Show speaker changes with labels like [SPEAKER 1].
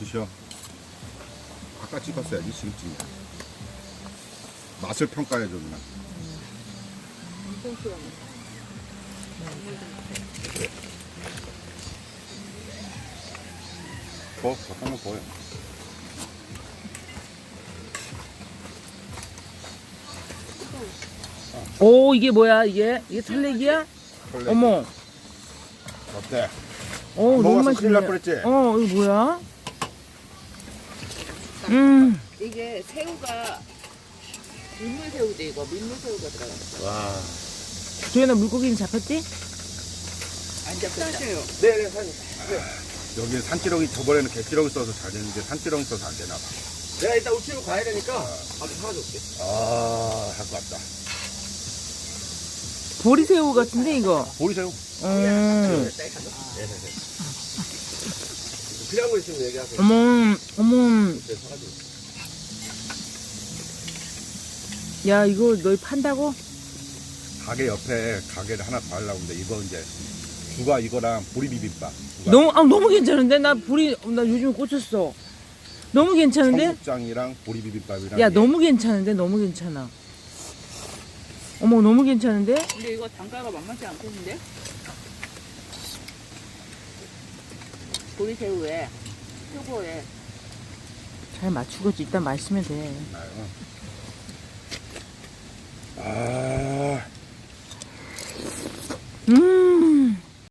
[SPEAKER 1] 드셔. 아까 찍었어야지. 지금 찍냐. 맛을 평가해줘 누나.
[SPEAKER 2] 엄청 시원해.
[SPEAKER 1] 더 한번 더요.
[SPEAKER 3] 오, 이게 뭐야, 이게? 이게 털레기야?
[SPEAKER 1] 털레기.
[SPEAKER 3] 어머.
[SPEAKER 1] 어때?
[SPEAKER 3] 오, 너무
[SPEAKER 1] 먹어서 큰일 날
[SPEAKER 3] 맛있네.
[SPEAKER 1] 뻔했지?
[SPEAKER 3] 어, 이거 뭐야?
[SPEAKER 2] 이게 새우가 민물새우지 이거 민물새우가 들어갔어.
[SPEAKER 1] 와.
[SPEAKER 3] 조연아, 물고기는 잡혔지?
[SPEAKER 2] 안 잡혔다.
[SPEAKER 4] 네네 사장님.
[SPEAKER 1] 여기 산지렁이 저번에는 개지렁이 써서 잘 되는데 산지렁이 써서 안 되나 봐.
[SPEAKER 4] 내가 이따 우체국 가야 되니까 아주 사가져 올게.
[SPEAKER 1] 아, 할 것 같다.
[SPEAKER 3] 보리새우 같은데, 이거?
[SPEAKER 1] 보이세요?
[SPEAKER 4] 필요한 거 있으면 얘기하세요.
[SPEAKER 3] 어머.
[SPEAKER 4] 네, 사가지고.
[SPEAKER 3] 야, 이거 너희 판다고?
[SPEAKER 1] 가게 옆에 가게를 하나 더 하려고 하는데 이거 이제 주가 이거랑 보리 비빔밥.
[SPEAKER 3] 너무 괜찮은데? 나 요즘 꽂혔어. 너무 괜찮은데?
[SPEAKER 1] 청국장이랑 보리 비빔밥이랑.
[SPEAKER 3] 야, 너무 괜찮은데? 너무 괜찮아. 어머, 너무 괜찮은데?
[SPEAKER 2] 근데 이거 단가가 만만치 않겠는데? 보리새우에 표고에
[SPEAKER 3] 잘 맞추겠지. 일단 마시면 돼.
[SPEAKER 1] 아.
[SPEAKER 3] 음.